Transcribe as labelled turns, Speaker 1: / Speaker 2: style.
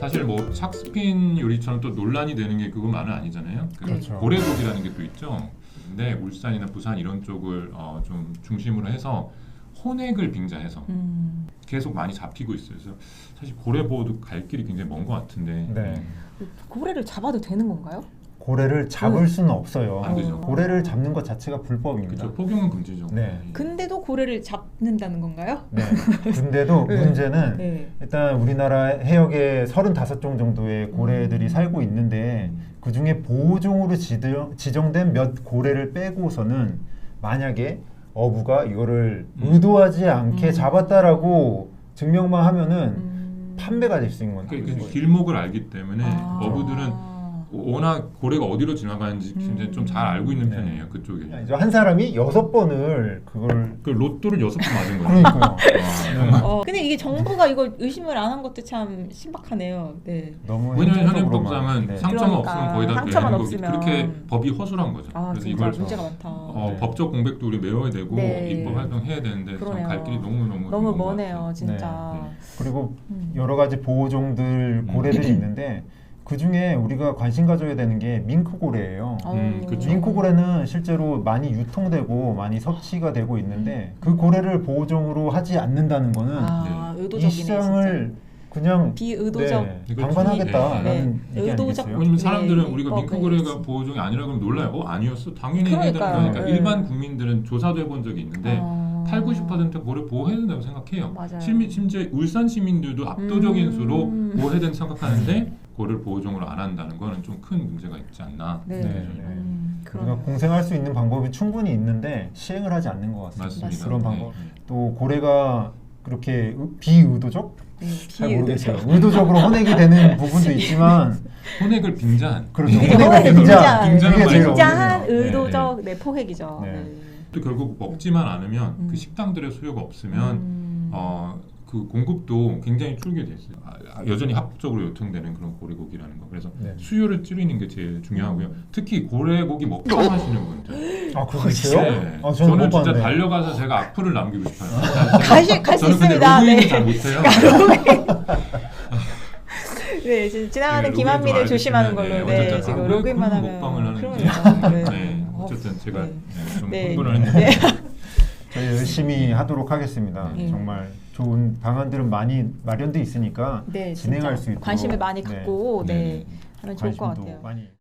Speaker 1: 사실 뭐 샥스핀 요리처럼 또 논란이 되는 게 그것만은 아니잖아요.
Speaker 2: 그렇죠.
Speaker 1: 고래고기라는 게 또 있죠. 근데 울산이나 부산 이런 쪽을 좀 중심으로 해서 혼액을 빙자해서 계속 많이 잡히고 있어요. 그래서 사실 고래 보호도 갈 길이 굉장히 먼 것 같은데.
Speaker 2: 네.
Speaker 3: 고래를 잡아도 되는 건가요?
Speaker 2: 고래를 잡을 수는 없어요.
Speaker 1: 안 되죠.
Speaker 2: 고래를 잡는 것 자체가 불법입니다.
Speaker 1: 그렇죠. 포경은 금지죠.
Speaker 2: 네.
Speaker 3: 근데도 고래를 잡는다는 건가요?
Speaker 2: 네. 근데도
Speaker 3: 네.
Speaker 2: 문제는
Speaker 3: 네.
Speaker 2: 일단 우리나라 해역에 35종 정도의 고래들이 살고 있는데 그 중에 보호종으로 지정된 몇 고래를 빼고서는 만약에 어부가 이거를 의도하지 않게 잡았다라고 증명만 하면은 판매가 될 수 있는
Speaker 1: 그
Speaker 2: 거예요.
Speaker 1: 길목을 알기 때문에 어부들은 워낙 고래가 어디로 지나가는지 굉장히 좀 잘 알고 있는 편이에요. 그쪽에.
Speaker 2: 이제 한 사람이 6번을 그걸
Speaker 1: 그 로또를 6번 맞은 거예요.
Speaker 2: 그러니까요.
Speaker 3: 근데 이게 정부가 이거 의심을 안 한 것도 참 신박하네요. 네.
Speaker 2: 너무
Speaker 1: 왜냐하면
Speaker 2: 행정적으로만,
Speaker 1: 현행법상은
Speaker 2: 네.
Speaker 1: 상처만
Speaker 3: 그러니까,
Speaker 1: 없으면 거의 다
Speaker 3: 상처만
Speaker 1: 되는
Speaker 3: 없으면.
Speaker 1: 거기 그렇게 법이 허술한 거죠. 그래서
Speaker 3: 진짜
Speaker 1: 이걸
Speaker 3: 문제가 많다.
Speaker 2: 네.
Speaker 1: 법적 공백도 우리 메워야 되고
Speaker 3: 네.
Speaker 1: 입법 활동해야 되는데
Speaker 3: 그러네요.
Speaker 1: 갈 길이 너무
Speaker 3: 너무
Speaker 1: 먼것
Speaker 3: 머네요,
Speaker 1: 같아요.
Speaker 3: 진짜.
Speaker 1: 네.
Speaker 2: 그리고 여러 가지 보호종들 고래들이 있는데 그 중에 우리가 관심 가져야 되는 게 밍크고래예요.
Speaker 1: 그쵸.
Speaker 2: 밍크고래는 실제로 많이 유통되고 많이 섭취가 되고 있는데 그 고래를 보호종으로 하지 않는다는 거는
Speaker 3: 의도적이네,
Speaker 2: 이 시장을 그냥
Speaker 3: 비의도적.
Speaker 2: 방관하겠다라는
Speaker 3: 네.
Speaker 2: 얘기
Speaker 3: 의도적.
Speaker 2: 아니겠어요?
Speaker 1: 왜냐면 사람들은
Speaker 3: 네,
Speaker 1: 우리가
Speaker 3: 입법에
Speaker 1: 밍크고래가
Speaker 3: 있지.
Speaker 1: 보호종이 아니라 그러면 놀라요. 아니었어? 당연히 해야 되는
Speaker 3: 그러니까요.
Speaker 1: 거니까
Speaker 3: 네.
Speaker 1: 일반 국민들은 조사도 해본 적이 있는데 8, 90% 고래 보호해야 된다고 생각해요.
Speaker 3: 맞아요.
Speaker 1: 심지어 울산 시민들도 압도적인 수로 보호해야 된다고 생각하는데 고래를 보호종으로 안 한다는 거는 좀 큰 문제가 있지 않나.
Speaker 3: 네.
Speaker 2: 우리가
Speaker 3: 그러네요.
Speaker 2: 공생할 수 있는 방법이 충분히 있는데 시행을 하지 않는 것 같습니다.
Speaker 1: 맞습니다.
Speaker 2: 그런
Speaker 1: 네.
Speaker 2: 방법. 또 고래가 그렇게 비의도적? 잘 모르겠어요.
Speaker 3: 비의도적.
Speaker 2: 의도적으로 혼액이 되는 부분도 있지만
Speaker 1: 혼액을 빙자한.
Speaker 2: 그렇죠.
Speaker 3: 그게
Speaker 2: 혼액을
Speaker 1: 빙자한
Speaker 2: 그게 제일
Speaker 3: 빙자한
Speaker 2: 어려워요.
Speaker 3: 의도적 포획이죠.
Speaker 2: 네.
Speaker 3: 네.
Speaker 1: 또 결국 먹지만 않으면 그 식당들의 수요가 없으면 그 공급도 굉장히 줄게 돼 있어요. 여전히 합법적으로 유통되는 그런 고래고기라는 거. 그래서
Speaker 2: 네.
Speaker 1: 수요를 줄이는 게 제일 중요하고요. 특히 고래고기 먹방 하시는 분들.
Speaker 2: 아, 그거 있어요?
Speaker 1: 네.
Speaker 2: 아,
Speaker 1: 저는
Speaker 2: 못
Speaker 1: 진짜
Speaker 2: 봤는데.
Speaker 1: 달려가서 제가 악플을 남기고 싶어요.
Speaker 3: 갈 수
Speaker 1: 저는 근데
Speaker 3: 있습니다.
Speaker 1: 로그인을
Speaker 3: 네.
Speaker 1: 잘 못해요.
Speaker 3: 네, 지금 지나가는
Speaker 1: 네,
Speaker 3: 김한미를
Speaker 1: 로그인 좀
Speaker 3: 조심하는
Speaker 1: 알려주시면,
Speaker 3: 걸로. 네,
Speaker 1: 어쨌든
Speaker 3: 지금
Speaker 1: 왜
Speaker 3: 로그인만
Speaker 1: 그런
Speaker 3: 하면.
Speaker 1: 먹방을 하는지.
Speaker 3: 그러니까. 네.
Speaker 1: 네, 어쨌든 제가
Speaker 3: 네.
Speaker 1: 좀
Speaker 3: 네.
Speaker 1: 흥분을 했는데.
Speaker 3: 네.
Speaker 2: 저희 열심히 하도록 하겠습니다.
Speaker 3: 네.
Speaker 2: 정말 좋은 방안들은 많이 마련돼 있으니까
Speaker 3: 네,
Speaker 2: 진행할
Speaker 3: 진짜
Speaker 2: 수 있도록
Speaker 3: 관심을 많이 갖고 네, 하면 좋을 것
Speaker 2: 관심도
Speaker 3: 같아요.
Speaker 2: 많이